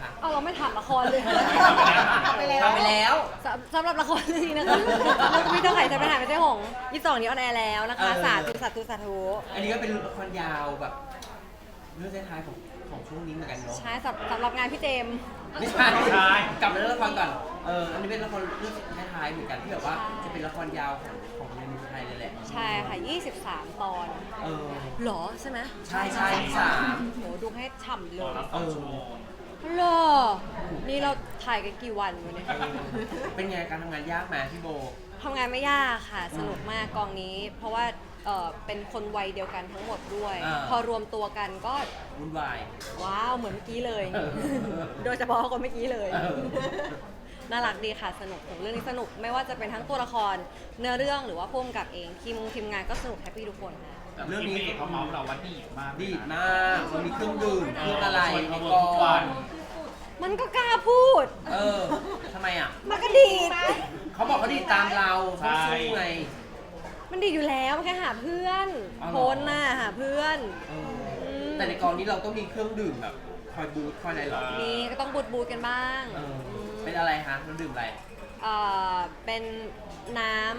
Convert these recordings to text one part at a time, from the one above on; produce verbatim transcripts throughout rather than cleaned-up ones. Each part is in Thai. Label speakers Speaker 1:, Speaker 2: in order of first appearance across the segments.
Speaker 1: คะ
Speaker 2: เอาเราไม่ถามละครเลย
Speaker 3: ทำไปแล้ว
Speaker 1: ทำไปแล้ว
Speaker 2: สำสำหรับละครเรื่องนี้นะคะมีเท่าไหร่จะไปถ่ายไม่ใช่หงยี่สิบสองนี้ออนแอร์แล้วนะคะสาธุสาธุสาธุ
Speaker 1: อันนี้ก็เป็นละครยาวแบบเรื่องท้ายๆของของช่วงนี้เหมือนกันเนาะ
Speaker 2: ใช่สำสำหรับงานพี่เจมส์
Speaker 1: ไม่ใช่กลับมาเรื่องละครก่อนเอออันนี้เป็นละครเรื่องท้ายๆเหมือนกันที่แบบว่าจะเป็นละครยาวของของในเมืองไทยเลยแหละ
Speaker 2: ใช่ค่ะยี่สิบสามตอน
Speaker 1: เออ
Speaker 2: หรอใช่ไหม
Speaker 1: ใช่ใช่สาม
Speaker 2: โหดูให้ฉ่ำเลย
Speaker 1: เออ
Speaker 2: หรอนี่เราถ่ายกันกี่วันวะเนี่ย
Speaker 1: เป็นไงการทำงานยากไหมพี่โบ
Speaker 2: ทำงานไม่ยากค่ะสนุกมากกองนี้ เพราะว่าเออเป็นคนวัยเดียวกันทั้งหมดด้วย
Speaker 1: อ่า
Speaker 2: พอรวมตัวกันก็
Speaker 1: วุ่นวาย
Speaker 2: ว้าวเหมือนเมื่อกี้เลย
Speaker 1: เออ
Speaker 2: โดยเฉพาะคนเมื่อกี้เลย
Speaker 1: เออ
Speaker 2: น่ารักดีค่ะสนุกของเรื่องนี้สนุกไม่ว่าจะเป็นทั้งตัวละครเนื้อเรื่องหรือว่าพุ่มกับเองทีมทีมงานก็สนุกแฮปปี้ทุกคนนะ
Speaker 4: เรื่องนี้เขาเมาส์เราว่าดีมาก
Speaker 1: ดีดมากมันมีเครื่องดื่มเครื่องอะไรในกอง
Speaker 2: มันก็กล้าพูด
Speaker 1: เออทำไมอ่ะ
Speaker 2: มันก็ดีด
Speaker 1: เขาบอกเขาดีดตามเราเขาสู้ไง
Speaker 2: มันดีอยู่แล้วมันแค่หาเพื่อน
Speaker 1: อ๋อเหรอ
Speaker 2: โพสต์น่ะหาเพื่อน
Speaker 1: เออแต่ในกองนี้เราต้องมีเครื่องดื่มแบบคอยบูทคอยอะไรหรอ
Speaker 2: นี่ก็ต้องบูดบูดกันบ้าง
Speaker 1: เออ
Speaker 2: ม
Speaker 1: เป็นอะไรฮะเราดื่มอะไร
Speaker 2: เอ่อเป็นน้ำ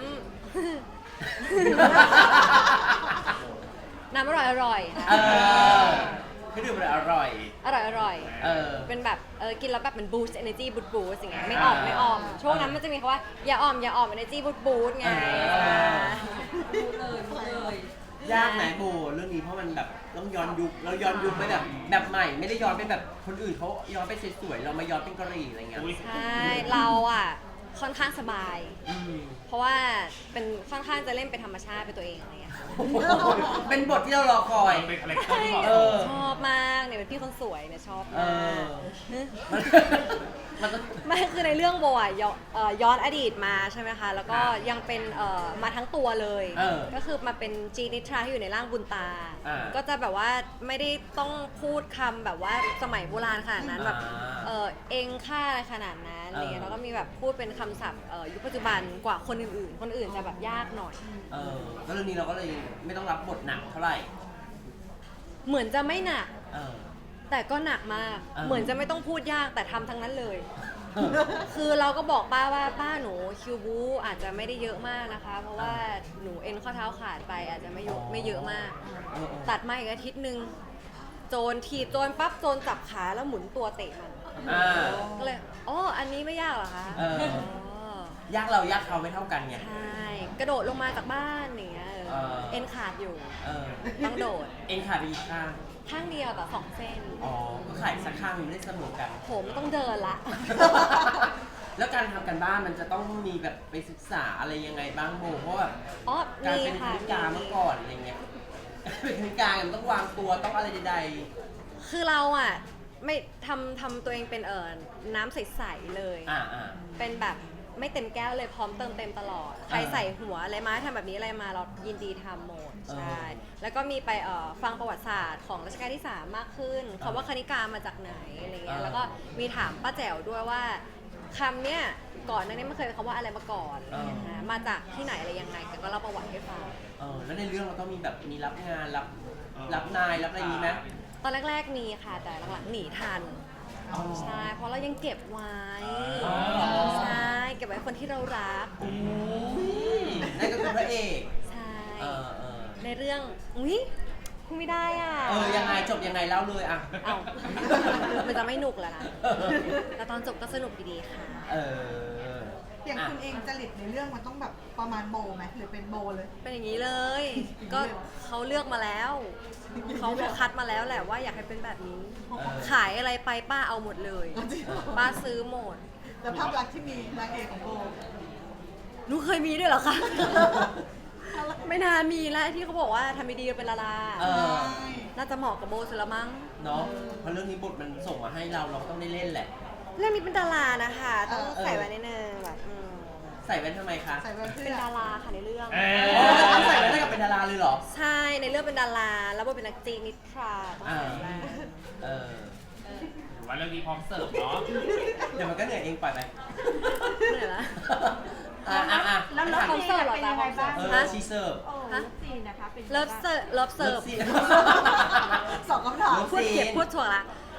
Speaker 2: น้ำอร่อยอร่อยๆ
Speaker 1: เอ
Speaker 2: ค่ะ
Speaker 1: อเครื่องดื่มอะไรอร่อย
Speaker 2: อร่อยอร่อย
Speaker 1: เออ
Speaker 2: เป็นแบบเออกินแล้วแบบมันบูสต์ energy บูสต์บูสต์อย่างเงี้ยไม่ออม
Speaker 1: อ่า
Speaker 2: ไม่ออม ช่วงนั้นมันจะมีคำว่าอย่าออมอย่าออม energy บูสต์บูสต์ไง
Speaker 1: อ่า
Speaker 2: พูดเลยพูดเลย
Speaker 1: ยากไหมโบเรื่องนี้เพราะมันแบบต้องย้อนยุคเราย้อนยุคไปแบบแบบใหม่ ไม่ได้ย้อนเป็นแบบคนอื่นเขาย้อนไปสวยๆเรามาย้อนเป็นกะหรี่อะไรเงี้ย
Speaker 2: ใช่เราอ่ะค่อนข้างสบาย
Speaker 1: อืม
Speaker 2: เพราะว่าเป็นค่อนข้างจะเล่นเป็นธรรมชาติเป็นตัวเองอะไรเงี้ย
Speaker 1: เป็นบทที่เรารอคอย
Speaker 4: เป็นคาแรคเตอร์ที่เหมาะ
Speaker 1: เอ
Speaker 4: ส
Speaker 1: อ
Speaker 4: ม
Speaker 2: ชอบมากเนี่ยเป็นพี่คนสวยเนี่ยชอบ
Speaker 1: เอ
Speaker 2: มา
Speaker 1: อ
Speaker 2: ก
Speaker 1: มันมันต้อง
Speaker 2: ไม่คือในเรื่องโบอ่ะย้อนเอ่อย้อนอดีตมาใช่ไหมคะ แล้วก็
Speaker 1: อ่า
Speaker 2: ยังเป็นเอ่อมาทั้งตัวเลย
Speaker 1: เออ
Speaker 2: ก็คือมาเป็นจีนิทราที่อยู่ในร่างบุญตา
Speaker 1: อ่า
Speaker 2: ก็จะแบบว่าไม่ได้ต้องพูดคำแบบว่าสมัยโบราณขนาดนั้นแบบ
Speaker 1: อ่า
Speaker 2: เออเองค่าอะไรขนาดนั้นอะไรเงี้ย
Speaker 1: เออ
Speaker 2: แล้วก็มีแบบพูดเป็นคำศัพท์เอ่อยุคปัจจุบันกว่าคนอื่นๆ คนอื่นจะแบบยากหน่อย
Speaker 1: เออแล้วเรื่องนี้เราก็เลยไม่ต้องรับบทหนักเท่าไหร่
Speaker 2: เหมือนจะไม่หนัก
Speaker 1: เออ
Speaker 2: แต่ก็หนักมาก
Speaker 1: เออ
Speaker 2: เหมือนจะไม่ต้องพูดยากแต่ทำทั้งนั้นเลย
Speaker 1: เออ
Speaker 2: คือเราก็บอกป้าว่าป้าหนูคิวบูอาจจะไม่ได้เยอะมากนะคะ เพราะว่าหนูเอ็นข้อเท้าขาดไปอาจจะไม่เยอะไม่เยอะมาก
Speaker 1: เออ
Speaker 2: ตัดมาอีกอาทิตย์หนึ่งโจรถีบโจรปั๊บโจรจับขาแล้วหมุนตัวเตะมัน
Speaker 1: อ่า
Speaker 2: ก็เลยอ๋ออันนี้ไม่ยากเหรอคะ
Speaker 1: เออ ยากเรายากเขาไม่เท่ากันไง
Speaker 2: ใช่กระโดดลงมาจากบ้านอย่างเงี้ยเออ
Speaker 1: เออ
Speaker 2: เอ็นขาดอยู่
Speaker 1: เออ
Speaker 2: ต้องโดด
Speaker 1: เอ็นขาดไปอีกข้าง
Speaker 2: ข้างเดียวแต่สองเส้น
Speaker 1: อ๋อ ก็ขายสักข้างหนึ่งไม่ได้เสมอกัน
Speaker 2: ผมต้องเดินละ
Speaker 1: แล้วการทำกันบ้านมันจะต้องมีแบบไปศึกษาอะไรยังไงบ้างโบเพราะแบบ
Speaker 2: อ๋อ
Speaker 1: การ
Speaker 2: มี
Speaker 1: เป็นค
Speaker 2: ค่ะ
Speaker 1: ณิกาเมื่อก่อนอะไรเงี้ย เป็นคณิกามันต้องวางตัวต้องอะไรใด
Speaker 2: คือเราอ่ะไม่ทำทำตัวเองเป็นเอิญน้ำใสๆเลย
Speaker 1: ๆอ่าอ่า
Speaker 2: เป็นแบบไม่เต็มแก้วเลยพร้อมเติมเต็มตลอด ใครใส่หัวอะไรมาทำแบบนี้อะไรมาเรายินดีทำหมด
Speaker 1: เออ
Speaker 2: ใช่ แล้วก็มีไปเอ่อฟังประวัติศาสตร์ของรัชกาลที่ สาม มากขึ้นคำว่าคณิกามาจากไหนอะไรเงี้ย
Speaker 1: เออ
Speaker 2: แล้วก็มีถามป้าแจ๋วด้วยว่าคำเนี้ยก่อนหนั้านนี้ไม่เคยเป็นคำว่าอะไรมาก่อนอะไรเงี้ยนะมาจากที่ไหนอะไรยังไงแกก็เล่าประวัติให้ฟัง
Speaker 1: เออแล้วในเรื่องเราต้องมีแบบมีรับงานรับรับนายรับอะไรอย่างนี้ไหม
Speaker 2: ตอนแรกๆมีค่ะ แต่หลังๆหนีทัน
Speaker 1: อ๋อ
Speaker 2: ใช่ เพราะเรายังเก็บไว้
Speaker 1: อ๋อ
Speaker 2: ใช่ เก็บไว้คนที่เรารัก
Speaker 1: อุ้ยนั่นก็คือพระเอก
Speaker 2: ใช่
Speaker 1: เออเออ
Speaker 2: ในเรื่อง อุ้ยพูดไม่ได้อ่ะ
Speaker 1: เออยังไงจบยังไงเล่าเลยอ่ะ
Speaker 2: เอ้ามันจะไม่หนุกแล้วนะ แต่ตอนจบก็สนุกดีๆค่ะ
Speaker 1: เออ
Speaker 3: อย่าง
Speaker 1: อ่ะ
Speaker 3: คุณเองจริตในเรื่องมันต้องแบบประมาณโบไหมหรือเป็นโบเลย
Speaker 2: เป็นอย่างนี้เลย ก็เขาเลือกมาแล้ว เขาเขาคัดมาแล้วแหละว่าอยากให้เป็นแบบนี้
Speaker 1: เออ
Speaker 2: ขายอะไรไปป้าเอาหมดเลย
Speaker 3: จริงเหรอ
Speaker 2: ป้าซื้อหมด
Speaker 3: แล้วภาพลักษณ์ที่มีนางเอกของโบ
Speaker 2: หนูเคยมีด้วยเหรอคะ ไม่นานมีแล้วที่เขาบอกว่าทำไม่ดีเป็นดารา
Speaker 1: เออ
Speaker 2: น่าจะเหมาะกับโบสุดละมั้ง
Speaker 1: เนาะเพราะเรื่องนี้บทมันส่งมาให้เราเราก็ต้องได้เล่นแหละ
Speaker 2: เรื่องนี้เป็นดารานะคะ ต้อง
Speaker 1: เออ
Speaker 2: ใส่ไว้นิดนึงแบบอืม
Speaker 1: ใส่แว่นทำไมคะ
Speaker 3: ใส่แว่นเพื่
Speaker 2: เป็น
Speaker 3: อ
Speaker 2: ดาราค่ะในเรื่อง
Speaker 4: เอ
Speaker 1: อ๋อต้องใส่แว่นให้กับเป็นดาราเลยเหรอ
Speaker 2: ใช่ ในเรื่องเป็นดารา แล้วโบเป็นนักจีนนิทราต้องใส่แว่น
Speaker 1: เออ
Speaker 4: ถือว่าเรื่องนี้พร้อมเสิร์ฟเนาะ
Speaker 1: เดี๋ยวมันก็เหนื่อยเองปล่อยไป
Speaker 2: เหนื่อยละ
Speaker 1: อ่ะอ่ะอ่ะ
Speaker 5: แล้วแล้ว
Speaker 2: คอนเสิร์ตเหรอ
Speaker 5: เป็นยังไงบ้าง
Speaker 1: เอ
Speaker 2: ฮะ
Speaker 1: อชีเสิร์ฟ
Speaker 5: โอ้
Speaker 2: ฮะ
Speaker 5: ลูกซีนนะคะเป็นยังไง
Speaker 2: เลิฟ
Speaker 5: บ้าง
Speaker 2: เสิร์ฟเลิฟเสิร์ฟ
Speaker 1: ซี
Speaker 3: สองคำถาม
Speaker 1: เลิฟ
Speaker 2: พูดเก็บพูดถ่วงละ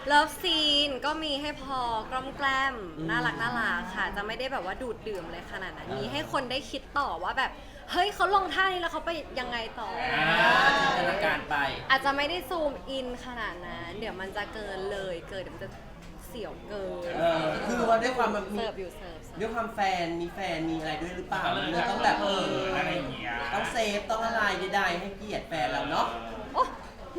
Speaker 2: เลิฟซีนก็มีให้พอกล้อมแกล้ม
Speaker 1: อืม
Speaker 2: น่ารักน่ารักค่ะ จะไม่ได้แบบว่าดูดดื่มเลยขนาดนั้น
Speaker 1: เออ
Speaker 2: มีให้คนได้คิดต่อว่าแบบ เฮ้ยเขาลงท่านี้แล้วเขาไปยังไงต่อ
Speaker 1: อ่าจินตนาการไป
Speaker 2: อาจจะไม่ได้ซูมอินขนาดนั้น เดี๋ยวมันจะเกินเลยเกินเดี๋ยวมันจะเสียวเกิน
Speaker 1: เออคือว่าด้วยความแบบมี
Speaker 2: เสิร์ฟอยู่เสิร์ฟเสิร์ฟ
Speaker 1: ด้วยความแฟนมีแฟนมีอะไรด้วยหรือเปล่า
Speaker 4: เออ
Speaker 1: เลยต้องแบบ
Speaker 4: เอออะไรอย่างเงี้ย
Speaker 1: ต้องเซฟต้องอะไรใดๆให้เกียรติแฟนเราเนาะ
Speaker 2: โอ๊ะ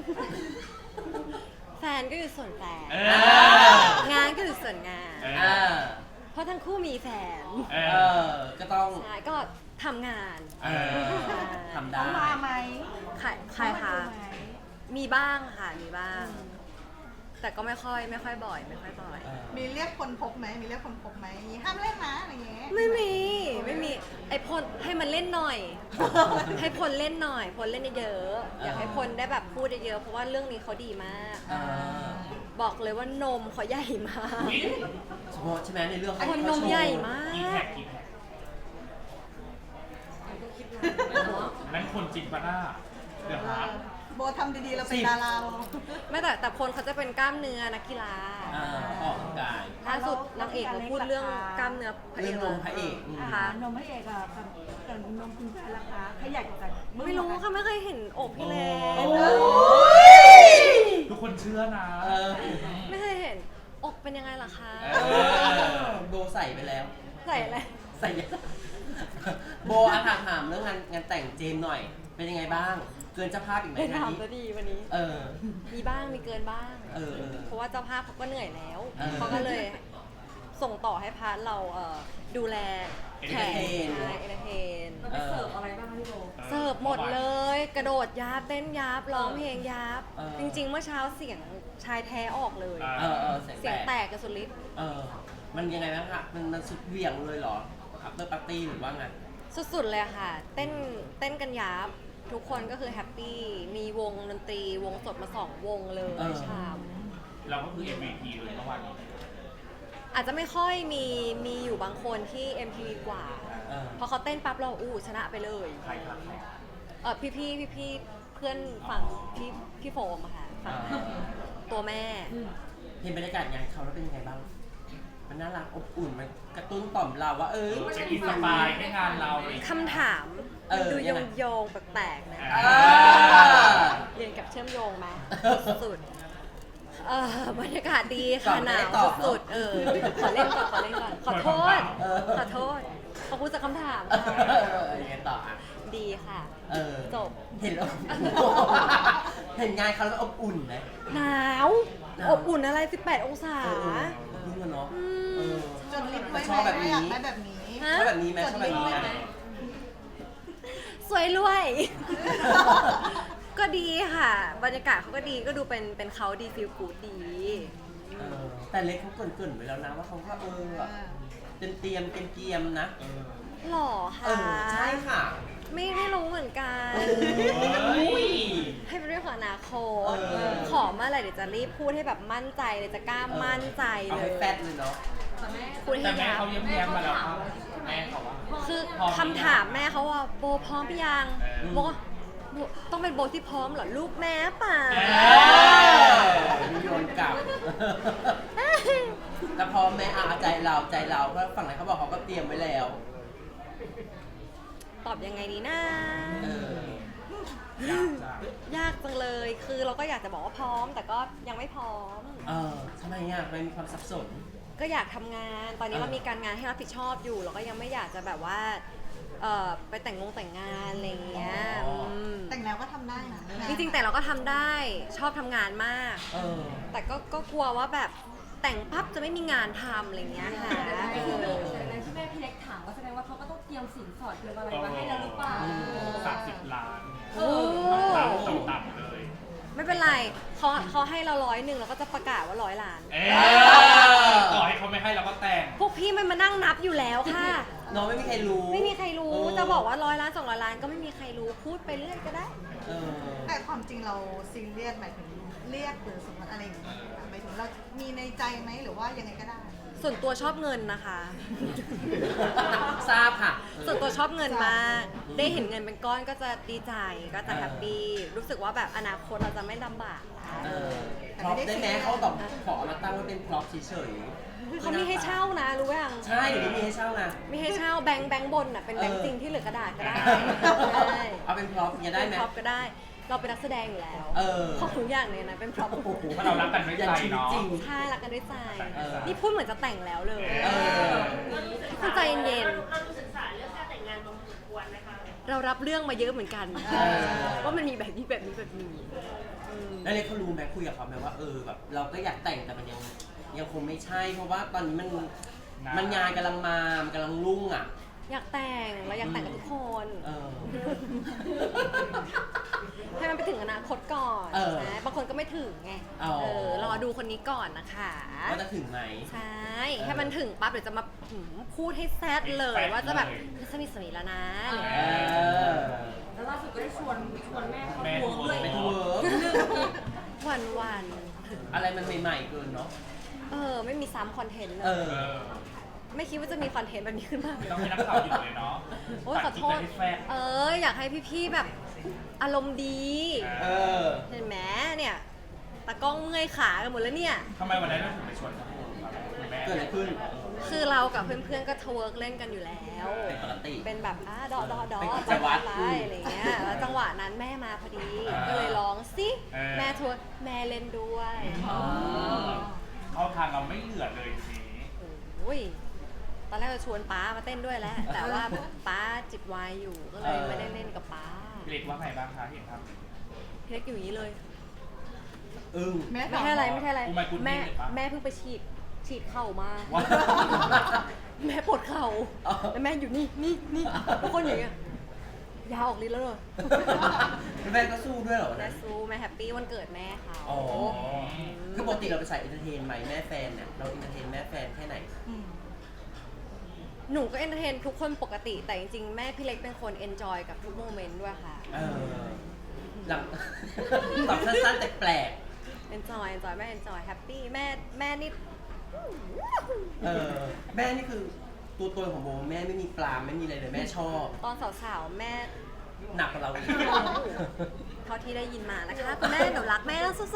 Speaker 2: แฟนก็อยู่ส่วนแฟน
Speaker 4: เอ
Speaker 1: อ่า
Speaker 2: งานก็อยู่ส่วนงาน
Speaker 4: เอ
Speaker 1: อ่า
Speaker 2: เพราะทั้งคู่มีแฟน
Speaker 4: เอ
Speaker 1: เอ
Speaker 4: อ
Speaker 1: อก็ต้อง
Speaker 2: ใช่ก็ทำงาน
Speaker 4: เออ
Speaker 1: ทำได้
Speaker 3: เขามาไหม
Speaker 2: ใครใครคะ
Speaker 3: เขามาดูไหม
Speaker 2: มีบ้างค่ะ มีบ้าง แต่ก็ไม่ค่อยไม่ค่อยบ่อย ไม่ค่อยบ่อย
Speaker 1: เออ
Speaker 3: มีเรียกคนพบไหมมีเรียกคนพบไหมห้ามเล่นนะอะไรอย่างเงี้ย
Speaker 2: ไม่มี ไม่มี ไอพลให้มันเล่นหน่อย ให้พลเล่นหน่อย พลเล่นเยอะๆอยากให้พลได้แบบพูดเยอะๆเพราะว่าเรื่องนี้เขาดีมาก
Speaker 1: เออ
Speaker 2: บอกเลยว่านมเขาใหญ่มาก
Speaker 4: อุ๊ย
Speaker 1: เฉพาะใช่ไหมในเรื่อง
Speaker 2: ค
Speaker 1: เขา
Speaker 2: นน
Speaker 1: เขา
Speaker 2: ม
Speaker 1: โชว์
Speaker 2: ใหญ่มา
Speaker 4: กี่แท็
Speaker 2: ก
Speaker 4: กกี่แท็กนั่นคนจริงปะหน้าเดี๋ยวฮะ
Speaker 3: โบทำดีๆเราเป็นดาราโบ
Speaker 2: ไม่แต่แต่พลเขาจะเป็นกล้ามเนื้อนักกีฬา
Speaker 1: อ่าออกกำลังกาย
Speaker 2: ล่าสุดนางเอกมาพูดเรื่องกล้ามเนื้อพระเอ
Speaker 1: เรื่องนมพระเอกอืม
Speaker 2: ค่ะ
Speaker 5: นมพระเอกอะกับกับนมคุณแฟนราคาใครใหญ่กว่ากันง
Speaker 2: ไม่รู้ค่ะไม่เคยเห็นอกพี่เล็
Speaker 1: โอ้
Speaker 2: ก
Speaker 4: ทุกคนเชื่อนะ
Speaker 1: เออ
Speaker 2: ไม่เคยเห็นอกเป็นยังไงล่ะคะ
Speaker 1: เออโบใส่ไปแล้ว
Speaker 2: ใส่อะไร
Speaker 1: ใส่เยอะโบอาถามถามเรื่องงานงานแต่งเจมส์หน่อย เป็นยังไงบ้าง เกินเจ้าภาพอีกไหม
Speaker 2: เป็น
Speaker 1: งาน
Speaker 2: ถาม
Speaker 1: นี้
Speaker 2: จะดีวันนี้
Speaker 1: เออ
Speaker 2: มีบ้างมีเกินบ้าง
Speaker 1: เออเออ
Speaker 2: เพราะว่าเจ้าภาพเขาก็เหนื่อยแล้ว
Speaker 1: เออ
Speaker 2: เขาก็เลยส่งต่อให้พาร์ทเราเอ่อดูแลแขก
Speaker 1: Entertain
Speaker 2: ใช่เอนเตอร์เทน
Speaker 5: เราไปเสิร์ฟอะไรบ้างคะพี่โบ
Speaker 2: เสิร์ฟหมดเลย กระโดดยับเต้นยับร้องเพลงยับ
Speaker 1: เออ
Speaker 2: จริง ๆ เมื่อเช้าเสียงชายแท้ออกเลย
Speaker 1: เออเออเสียง
Speaker 2: เสียง
Speaker 1: แต
Speaker 2: แต
Speaker 1: ก
Speaker 2: กกันสุดฤทธิ์
Speaker 1: เออ มันยังไงบ้างคะมันมันสุดเหวี่ยงเลยเหรอ after party หรือว่าไง
Speaker 2: สุดๆเลยค่ะ เต้นเต้นกันยับ ทุกคนก็คือแฮปปี้ มีวงดนตรีวงสดมาสองวงเลย
Speaker 1: เออ
Speaker 2: เช้า
Speaker 4: เราก็คือ เอ็ม วี พี เลยเมื่อวานนี้
Speaker 2: อาจจะไม่ค่อยมีมีอยู่บางคนที่ เอ็ม ที วี กว่า
Speaker 1: เออ
Speaker 2: พอเขาเต้นปั๊บเราอู้ชนะไปเลย
Speaker 4: ใครครับใคร
Speaker 2: เออพี่พี่พี่พี่ๆเพื่อนฝั่งพี่พี่โฟมอะค่ะฝั่ง
Speaker 1: อ่า
Speaker 2: ตัวแม่
Speaker 1: เห็นบรรยากาศงานเขาแล้วเป็นยังไงบ้าง มันน่ารักอบอุ่น มันกระตุ้นต่อมเราว่า เอ้ย
Speaker 4: เป็นอินสปายให้งานเราเลย
Speaker 2: คำถาม
Speaker 1: เออ
Speaker 2: ดู
Speaker 1: ยั
Speaker 2: โย
Speaker 1: งไง
Speaker 2: งโยงๆแปลกๆนะ
Speaker 4: เอ
Speaker 1: อ
Speaker 2: เรียนกับเชื่อมโยงไหมสุดๆเออบรรยากาศดี
Speaker 1: ตอ
Speaker 2: ค่ะ
Speaker 1: บ
Speaker 2: ห
Speaker 1: ไม่
Speaker 2: นา
Speaker 1: ได้
Speaker 2: ว
Speaker 1: ตอบเนอะ
Speaker 2: สุดๆเออขอเล่นก่อนขอเล่นก่อนขอโทษ
Speaker 1: เออ
Speaker 2: ขอโทษขอบคุณจากคำถาม
Speaker 1: เอ
Speaker 2: ค่ะ
Speaker 1: อยังไงต่ออ่ะ
Speaker 2: ดีค่ะ
Speaker 1: เออ
Speaker 2: จบ
Speaker 1: เห็นแล้ว เห็นงานเขาแล้วอบอุ่นไหม
Speaker 2: หนาว
Speaker 1: หนาว
Speaker 2: อบอุ่นอะไร สิบแปด องศา
Speaker 1: เออเออรุ่งกันเนาะ
Speaker 2: อื
Speaker 1: เอ
Speaker 2: ม
Speaker 1: อ
Speaker 3: จดลิสต์ไว้
Speaker 1: ช
Speaker 3: ไหม
Speaker 1: อบแบบ
Speaker 3: ว่า
Speaker 1: นี้
Speaker 3: อยากได้แบบนี้
Speaker 2: ฮะ
Speaker 1: ชอบแบบนี้ไหมชอบแบบนี้ไหม
Speaker 2: สวยรวย ก็ดีค่ะ บรรยากาศเขาก็ดีก็ดูเป็นเป็นเขาดีฟิลกูดดี
Speaker 1: เออแต่เล็กเขาเกรินๆไว้แล้วนะว่าเขาก็เออแบบเป็นเตรียมเป็นเกียมๆนะ
Speaker 4: เออ
Speaker 2: หล่อ
Speaker 1: เอ
Speaker 2: ค่ะ
Speaker 1: อ ใช่ค่ะ
Speaker 2: ไม่ไม่รู้เหมือนกัน
Speaker 1: เฮ้ย
Speaker 2: ให้เป็นเรื่องของอนาคต
Speaker 1: เออ
Speaker 2: ขอเมื่อไหร่เดี๋ยวจะรีบพูดให้แบบมั่นใจเลยจะกล้ามั่นใจ
Speaker 1: เอา
Speaker 2: เล
Speaker 1: ให้
Speaker 2: ย
Speaker 1: แฟดเลยเนาะ
Speaker 2: พูดให้
Speaker 4: แต่แม่
Speaker 2: ยับ
Speaker 4: เขาเย้มแย้มมาแล้วครับแม่เขาว่า
Speaker 2: คือ
Speaker 4: พร้อมหรือยัง
Speaker 2: คำถามแม่เขาว่าโบพร้อมหรือยัง
Speaker 4: เออ
Speaker 2: โบก็โบต้องเป็นโบที่พร้อมเหรอลูกแม่ป่า
Speaker 4: เอ
Speaker 1: มีโยนกลับ แต่พอแม่อาใจเราใจเราเพราะฝั่งไหนเขาบอกเขาก็เตรียมไว้แล้ว
Speaker 2: ตอบยังไงดีนะ
Speaker 1: เออ
Speaker 4: ยากจ้ะ
Speaker 2: ยากจังเลย คือเราก็อยากจะบอกว่าพร้อม แต่ก็ยังไม่พร้อม
Speaker 1: เออทำไมอ่ะทำไมมีความสับสน
Speaker 2: ก็อยากทำงาน ตอนนี้
Speaker 1: เออ
Speaker 2: เรามีการงานให้รับผิดชอบอยู่ เราก็ยังไม่อยากจะแบบว่า เอ่อ ไปแต่งงงแต่งงานอะไรอย่างเงี้ยม
Speaker 3: แต่งแล้วก็ทำได้นะ
Speaker 2: จริงๆแต่เราก็ทำได้ ชอบทำงานมาก
Speaker 1: เออ
Speaker 2: แต่ก็ก็กลัวว่าแบบแต่งปั๊บจะไม่มีงานทำอะไรอย่างเงี้ยค่ะเออ
Speaker 5: ในที่แม่พี่เล็กถามก็แสดงว่าเขาก็ต้องเตรียมสินสอดเตรียมอะไรมาให้เราหรือเปล่า
Speaker 4: สามสิบล้าน
Speaker 2: โอ้
Speaker 4: ต่ำต่ำๆเลย
Speaker 2: ไม่เป็นไรเขาเขาให้เราร้อยหนึ่งเราก็จะประกาศว่าร้อยล้าน
Speaker 4: เอ๊ต่อให้เขาไม่ให้เราก็แต่ง
Speaker 2: พวกพี่มันมานั่งนับอยู่แล้วค่ะ
Speaker 1: น้องไม่มีใครรู้
Speaker 2: ไม่มีใครรู้ จะบอกว่าร้อยล้านสองร้อยล้านก็ไม่มีใครรู้พูดไปเรื่อยก็ได้
Speaker 1: เออ
Speaker 3: แต่ความจริงเราซีเรียสหมายถึงเรียกหรือสมมติอะไรอย่างเงี้ยหมายถึงเรามีในใจไหมหรือว่ายังไงก็ได้
Speaker 2: ส่วนตัวชอบเงินนะคะ
Speaker 1: ทราบค่ะ
Speaker 2: ส่วนตัวชอบเงินมาก ได้เห็นเงินเป็นก้อนก็จะดีใจก็จะแฮปปี้รู้สึกว่าแบบอนาคตเราจะไม่ลำบากแล้ว
Speaker 1: เออ
Speaker 3: แต่
Speaker 1: พร็อ
Speaker 3: ไม่
Speaker 1: พ
Speaker 3: ได้
Speaker 1: ได้
Speaker 3: ซี
Speaker 1: ไหม
Speaker 3: เรียส
Speaker 1: เขาแบบขอเอามาตั้งไว้เป็นพร็อพเฉยๆ
Speaker 2: เขามีให้เช่านะรู้ยัง
Speaker 1: ใช่เดี๋ยวนี้มีให้เช่านะ
Speaker 2: มีให้เช่าแบงค์แบงค์บนอ่ะเป็นแบงค์
Speaker 1: เออ
Speaker 2: จริงที่เหลือกระดาษก็ได้ใช่
Speaker 1: เอาเป็นพร็อพอย่างเงี้ยได้ไหม
Speaker 2: เป็นพร็อพก็ได้ เราเป็นนักแสดงอยู่แล้ว
Speaker 1: เออ
Speaker 2: ของทุกอย่างเลยนะเป็นพร็อพ
Speaker 1: โอ้โห
Speaker 4: เพราะเรารักกันด้วยใจ
Speaker 1: ยัชีวิต
Speaker 4: เนาะ
Speaker 1: จริง
Speaker 2: ใช่รักกันด้วยใจ
Speaker 1: เออ
Speaker 2: นี่พูดเหมือนจะแต่งแล้วเลย
Speaker 1: เออ
Speaker 2: คุณใจเย็น
Speaker 6: เราดูศึกษาเรื่องการแต่งงานมาพอสมควรนะคะ
Speaker 2: ๆเรารับเรื่องมาเยอะเหมือนกัน
Speaker 1: เออ
Speaker 2: ว่ามันมีแบบนี้แบบนี้แบบนี้อืม
Speaker 1: แล้วเล็กเขารู้ไหมคุยกับเขาไหมว่าเออแบบเราก็อยากแต่งแต่มันยังยังคงไม่ใช่ เพราะว่าตอนนี้มันมันงานกำลังมามันกำลังรุ่งอ่ะ
Speaker 2: อยากแต่งเราอยากแต่งกับทุกคน
Speaker 1: เออ
Speaker 2: ให้มันไปถึงอนาคตก่อน
Speaker 1: เออ
Speaker 2: นะบางคนก็ไม่ถึงไง
Speaker 1: อ๋อ
Speaker 2: เออรอดูคนนี้ก่อนนะคะ
Speaker 1: ว่าจะถึงไหม
Speaker 2: ใช่ให้มันถึงปั๊บเดี๋ยวจะมาหืมพูดให้แซดเลย ว่าจะแบบสนิทสนิทแล้วนะอะไรอย่าง
Speaker 1: เอ
Speaker 2: เงี้ย
Speaker 1: อ
Speaker 5: แล้วล่าสุดก็ได้ชวนชวนแม่เขา
Speaker 4: แม่
Speaker 5: ทัวร์ด้วย
Speaker 1: ไปทัวร์
Speaker 2: วันวัน
Speaker 1: อะไรมันใหม่ๆเกินเนาะ
Speaker 2: ๆเออไม่มีซ้ำคอนเทนต์เล
Speaker 1: เอย อ
Speaker 4: เออ
Speaker 2: ไม่คิดว่าจะมีคอนเทนต์แบบนี้ขึ้นมา
Speaker 4: ไม่ต้องให้นักข่าวหยุดเลยเนาะ
Speaker 2: โอ้ยขอโทษ
Speaker 4: ตัดคลิปไปให้แฟน
Speaker 2: เอออยากให้พี่ๆแบบอารมณ์ดี
Speaker 1: เออ
Speaker 2: เห็นไหมเนี่ยตากล้องเมื่อยขากันหมดแล้วเนี่ย
Speaker 4: ทำไมวันนั้นเราถึงไปชวนเขาครับคุณแม่
Speaker 1: เกิดอะไรขึ้น
Speaker 2: คือเรากับเพื่อนๆก็ทเวิร์กเล่นกันอยู่แล้ว
Speaker 1: เป็นปกติ
Speaker 2: เป็นแบบอ่ะดอดอดอ
Speaker 1: เป็นกิจวัตร
Speaker 2: ไปอะไรอย่างเงี้ย แล้วจังหวะนั้นแม่มาพอดี ก็เลยร้องสิ แม่ทเวิร์กแม่เล่นด้วย
Speaker 1: อ๋อ
Speaker 4: เข้าทางเราไม่เหลือเลยทีนี้
Speaker 2: โอ้ย ตอนแรกจะชวนป้ามาเต้นด้วยแหล้ว แต่ว่าป้าจิบไวน์อยู่ ก็เลยไม่ได้เล่นกับป้า
Speaker 4: พี่เล็กว่าไงบ้างคะเห็นครับ
Speaker 2: พี่เล็กอยู่อย่างนี้เลย
Speaker 1: อึ้ง
Speaker 3: แม่
Speaker 2: ไม่
Speaker 3: ถาม
Speaker 2: ใช่อะไรไม่ใช่อะไร
Speaker 4: อุยกุล
Speaker 2: แม่
Speaker 4: นี่เลยปะ
Speaker 2: แม่เพิ่งไปฉีดฉีดเข่ามา
Speaker 4: ว้าว
Speaker 2: แม่ปวดเข่า
Speaker 1: อ๋อ
Speaker 2: แล้วแม่อยู่นี่นี่นี่ทุกคนอย่างเงี้ยยาออกฤทธิ์แล้วเลย
Speaker 1: แล้วแม่ก็สู้ด้วยเหรอวัน
Speaker 2: แม่
Speaker 1: นั้น
Speaker 2: สู้แม่แฮปปี้วันเกิดแม่เขา
Speaker 1: อ๋อ คือปกติเราไปใส่เอนเตอร์เทนไหมแม่แฟนเนี่ยเราเอนเตอร์เทนแม่แฟนแค่ไหน
Speaker 3: อืม
Speaker 2: หนูก็เอนเตอร์เทนทุกคนปกติ แต่จริงๆ แม่พี่เล็กเป็นคนเอนจอยกับทุกโมเมนต์ด้วยค่ะ
Speaker 1: เออ หลัง ตอบสั้นๆแต่แปลก
Speaker 2: เอนจอยเอนจอยแม่เอนจอยแฮปปี้แม่แม่นี่
Speaker 1: เออ แม่นี่คือตัวตนของโมแม่ไม่มีปลาไม่มีอะไรเลยแม่ชอบ
Speaker 2: ตอนสาวๆ แม่
Speaker 1: หนักกว่าเราอีก
Speaker 2: เท่าที่ได้ยินมานะคะคุณแม่หนูรักแม่แล้วสู้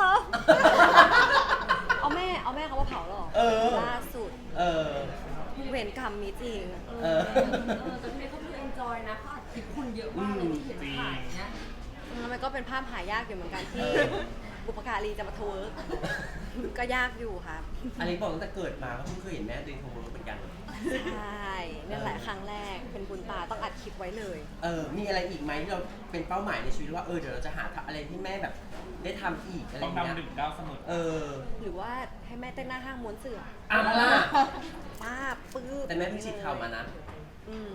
Speaker 2: ๆเอาแม่เอาแม่เขามาเผาหรอ
Speaker 1: เออ
Speaker 2: ล่าสุด
Speaker 1: เออ
Speaker 2: เวรกรรมมีจริง
Speaker 1: เออ
Speaker 5: เออแต่พี่เล็กเขาดูเอนจอยนะเขาอัดคลิปคุณเยอะมากเลยที่เห็นถ่ายเนี้ย
Speaker 2: แล้วมันก็เป็นภาพหายากอยู่เหมือนกันที่บุปการีจะมาทเวิร์กก็ยากอยู่ครับ
Speaker 1: อันนี้บอกตั้งแต่เกิดมาก็เพิ่งเคยเห็นแม่ตัวเองทำมือเหมือนกัน
Speaker 2: ใช่นี่แหละครั้งแรกเป็นบุญตาต้องอัดคลิปไว้เลย
Speaker 1: เออ มีอะไรอีกไหมที่เราเป็นเป้าหมายในชีวิตว่าเออเดี๋ยวเราจะหาอะไรที่แม่แบบได้ทำอีกอะไรอ
Speaker 4: ต้อง
Speaker 1: ย่างเงี้ย
Speaker 4: นำหนึ่งก้าวเสมอ
Speaker 1: เออ
Speaker 2: หรือว่าให้แม่เต้นหน้าห้างม้วนเสือ
Speaker 1: อ่ะมาล่ะ
Speaker 2: ป้าบปื้บ
Speaker 1: แต่แม่เพิ่งฉีดเข่ามานะ
Speaker 2: อืม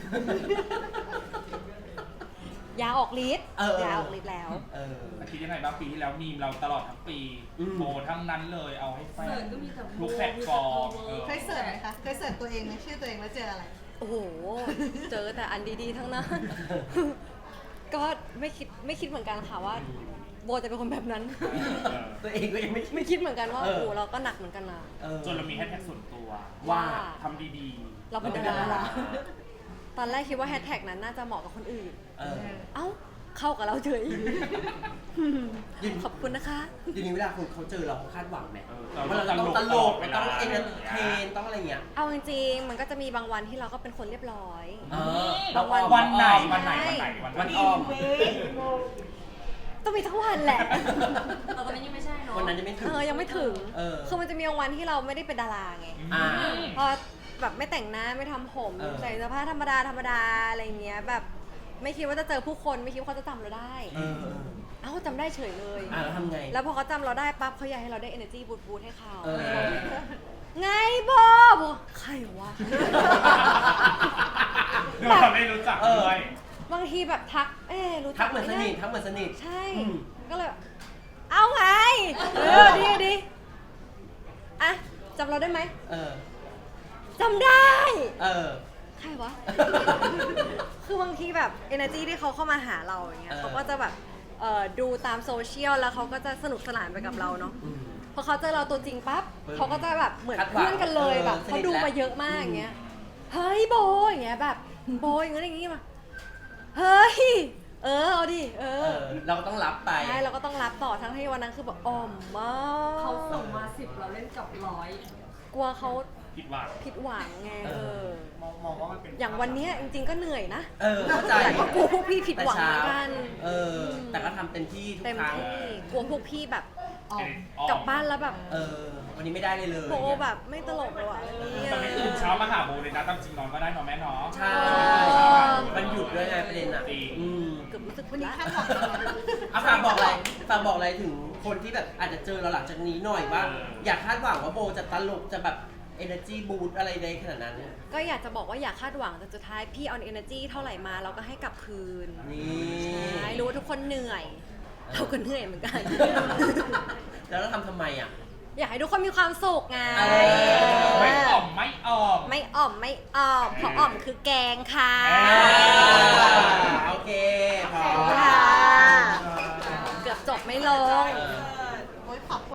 Speaker 2: ยาออกฤทธิ์
Speaker 1: เออเออ
Speaker 2: ยาออกฤทธิ์แล้ว
Speaker 1: เออ
Speaker 4: คิดยังไงบ้างปีที่แล้วมีมเราตลอดทั้งปี
Speaker 1: อืม
Speaker 4: โบทั้งนั้นเลยเอาให้แฟ
Speaker 5: เสิ
Speaker 4: น
Speaker 5: ร์ชก็มีแต่
Speaker 4: ทุกแพลตฟอร์มเออ
Speaker 3: เคยเสิร์ชไหมคะ เคยเสิร์ชตัวเองไหมชื่อตัวเองแล้วเจออะไร
Speaker 2: โอ้โห เจอแต่อันดีๆ ทั้งนั้น ก็ไม่คิดไม่คิดเหมือนกันค่ะว่า โบจะเป็นคนแบบนั้น
Speaker 1: ตัวเองก็ยังไม่
Speaker 2: ไม่คิดเหมือนกันว่า
Speaker 1: เออ
Speaker 2: โอ้เราก็หนักเหมือนกันนะ
Speaker 1: เออ
Speaker 4: จนเรามีแฮชแท็กส่วนตัว
Speaker 1: ว่า
Speaker 4: ทำดี
Speaker 2: เราเป็น
Speaker 1: เราเป็น
Speaker 2: ดา
Speaker 1: ดา
Speaker 2: รา
Speaker 1: รา
Speaker 2: ตอนแรกคิดว่าแฮชแท็กนั้นน่าจะเหมาะกับคนอื่น
Speaker 1: เออ
Speaker 2: เอ้า เข้ากับเราเฉย
Speaker 1: ยิน
Speaker 2: ขอบคุณนะคะ
Speaker 1: ทีนี้เวลาคนเขาเจอเราเขาคาดหวังไหม
Speaker 4: ๆเออ
Speaker 1: ว่าเราจะต้องตลก
Speaker 4: เว
Speaker 1: ต้
Speaker 4: ลา
Speaker 1: องเอนเตอร์เทนต้องอะไรเงี้ย
Speaker 2: เอาจริงๆ มันก็จะมีบางวันที่เราก็เป็นคนเรียบร้อย
Speaker 1: เออ
Speaker 2: บางวัน
Speaker 4: วันไหนวันไหนวันไหนวันไหน
Speaker 1: วันอ้อม
Speaker 2: ต้องมีทั้งวันแหละ
Speaker 5: แต่ตอนนี้ยังไม่ใช่เนาะ
Speaker 1: วันนั้นยังไม่ถึง
Speaker 2: เออ ยังไม่ถึง
Speaker 1: เออ
Speaker 2: คือมันจะมีบางวันที่เราไม่ได้เป็นดาราไง
Speaker 1: อ่า
Speaker 2: พอแบบไม่แต่งหน้าไม่ทำผม
Speaker 1: เออ
Speaker 2: ใส่เสื้อผ้าธรรมดาธรรมดาอะไรเงี้ยแบบไม่คิดว่าจะเจอผู้คนไม่คิดว่าเขาจะจำเราได้
Speaker 1: เออเออ
Speaker 2: เอ้าจำได้เฉยเลย
Speaker 1: อ่าแล้วทำไง
Speaker 2: แล้วพอเขาจำเราได้ปั๊บเขาอยากให้เราได้ energy บูทบูทให้เขา
Speaker 1: เออ
Speaker 2: ไงบอบใครวะ
Speaker 4: เราไม่รู้จักด้วย
Speaker 2: บางทีแบบทัก เอ๊ะรู้
Speaker 1: ทั
Speaker 2: จั
Speaker 1: ก
Speaker 2: ก
Speaker 1: เหมือน
Speaker 2: ไห
Speaker 1: ส
Speaker 2: ม
Speaker 1: นิท
Speaker 2: นะ
Speaker 1: ทักเหมือนสนิท
Speaker 2: ใช่
Speaker 1: อืม
Speaker 2: ก็เลยแบบเอาไง เออ ดีดีอ่ะจำเราได้ไหม
Speaker 1: เออ
Speaker 2: จำได้
Speaker 1: เออ
Speaker 2: ใครวะ คือบางทีแบบ energy ที่เขาเข้ามาหาเราอย่างเงี้ย
Speaker 1: เออ
Speaker 2: เขาก็จะแบบเอ่อดูตามโซเชียลแล้วเขาก็จะสนุกสนานไปกับเราเนาะ
Speaker 1: อืม
Speaker 2: พอเขาเจอเราตัวจริงปั๊บ
Speaker 1: เออ
Speaker 2: เขาก็จะแบบเหมือน
Speaker 1: คาดหวัง
Speaker 2: เพื่อนกันเลย
Speaker 1: เออ
Speaker 2: แบบ
Speaker 1: สนิท
Speaker 2: เขาดู
Speaker 1: แล้ว
Speaker 2: มาเยอะมาก
Speaker 1: อืม
Speaker 2: อย่างเงี้ย เฮ้ยโบอย่างเงี้ยแบบโบอย่างเงี้ยอย่างงี้มา เฮ้ย เเออเอาดิเอ
Speaker 1: เอ
Speaker 2: อ
Speaker 1: อ เราก็ต้องรับไป
Speaker 2: ใช่เราก็ต้องรับต่อทั้งที่วันนั้นคือแบบอ่อมมาก
Speaker 5: เขาส่งมาสิบเราเล่นกับร้อย
Speaker 2: กลัวเขา
Speaker 4: ผิดหวัง
Speaker 2: ผิดหวังไง
Speaker 1: เอ
Speaker 2: เอ
Speaker 1: อ
Speaker 2: อ
Speaker 4: มองมองว่ามันเป็น
Speaker 2: อย่างวันเนี้ยจริงๆก็เหนื่อยนะ
Speaker 1: เออ เข้าใจ
Speaker 2: แต่ก็กลัวพวกพี่ผิด
Speaker 1: แต่
Speaker 2: หวัง
Speaker 1: เช้า
Speaker 2: เหมือนกัน
Speaker 1: เออ แต่ก็ทำเต็มที่ทุก
Speaker 2: เต็ม
Speaker 1: ครั้ง
Speaker 2: ที่กลัวพวกพี่แบบ
Speaker 3: อ๋อ
Speaker 2: กลับบ้านแล้วแบบ
Speaker 1: เออ วันนี้ไม่ได้เลยเลย
Speaker 2: โบแบบไม่ตลกเลยว่ะเนี่ย
Speaker 4: ตอนนี้ตื่นเช้ามาหาโบเลยนะตามจริงนอนก็ได้นอนแม่เนาะ
Speaker 1: ใช่ มันหยุดด้วยไงประเด็นอ่ะ
Speaker 4: จริง
Speaker 1: อืม
Speaker 2: เกือบรู้สึก
Speaker 3: วันนี้
Speaker 2: ละ
Speaker 3: คาดหวังยังไง
Speaker 1: เอาฝากบอกอะไรฝากบอกอะไรถึงคนที่แบบอาจจะเจอเราหลังจากนี้หน่อยว่า
Speaker 4: เออ
Speaker 1: อยากคาดหวังว่าโบจะตลกจะแบบ energy boost อะไรในขนาดนั้น
Speaker 2: ก็อยากจะบอกว่าอย่าคาดหวังแต่สุดท้ายพี่เอา energy เท่าไหร่มาเราก็ให้กลับคืน
Speaker 1: นี่
Speaker 2: ใช่รู้ว่าทุกคนเหนื่อย เราก็เหนื่อยเหมือนกัน
Speaker 1: แล้วเราทำทำไมอ่ะ
Speaker 2: อยากให้ทุกคนมีความสุขไง
Speaker 1: เออ
Speaker 4: ไม่อ่อมไม่อ่อม
Speaker 2: ไม่อ่อมไม่อ่อมเพราะอ่อมคือแกงค่ะ
Speaker 4: เอ
Speaker 1: โอเคพอ
Speaker 2: ค่ะ เกือบจบไม่ลง
Speaker 1: เออ